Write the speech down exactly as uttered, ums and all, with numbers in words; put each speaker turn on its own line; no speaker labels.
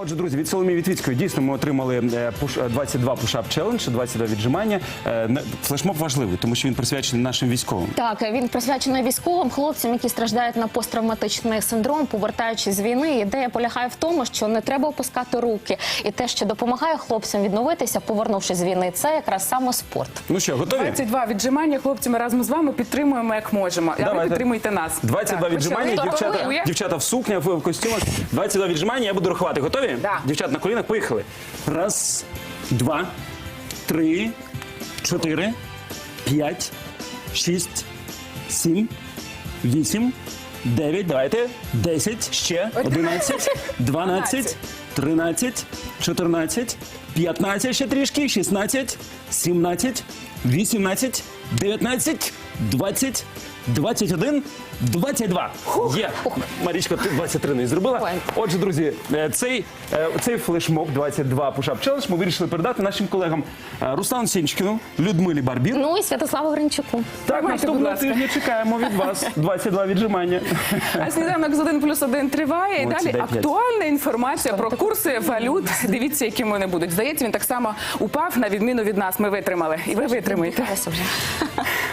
Отже, друзі, від Соломії Вітвіцької дійсно ми отримали двадцять два пуш-ап челендж, двадцять два віджимання. Флешмоб важливий, тому що він присвячений нашим військовим.
Так, він присвячений військовим хлопцям, які страждають на посттравматичний синдром, повертаючись з війни. Ідея полягає в тому, що не треба опускати руки. І те, що допомагає хлопцям відновитися, повернувшись з війни, це якраз саме спорт.
Ну що, готові?
двадцять два віджимання, хлопці, ми разом з вами підтримуємо, як можемо. А ви підтримуйте нас.
двадцять два
Так,
віджимання,
почали.
дівчата,
Готові?
дівчата в сукнях, в костюмах. двадцять два віджимання, я буду рахувати. Готові?
Да.
Дівчата на колінах, поїхали. Раз, два, три, чотири, п'ять, шість, сім, вісім, дев'ять, давайте, десять, ще, одинадцять, дванадцять, тринадцять, чотирнадцять, п'ятнадцять, ще трішки, шістнадцять, сімнадцять, вісімнадцять, дев'ятнадцять, двадцять, двадцять один, двадцять два. Є. Марічко, ти двадцять три не зробила.
Ой.
Отже, друзі, цей, цей флешмоб двадцять два пуш-ап челендж ми вирішили передати нашим колегам Руслану Сенчикіну, Людмилі Барбір.
Ну і Святославу Гринчуку.
Так,
Тримайте, будь
наступного
ласка.
тижня чекаємо від вас двадцять два віджимання.
А сніданок з один плюс один триває. І
Молодці,
далі
дай п'ять.
актуальна інформація про курси валют. Дивіться, які вони будуть. Здається, він так само упав, на відміну від нас. Ми витримали. І ви витримаєте.
Дихалося вже.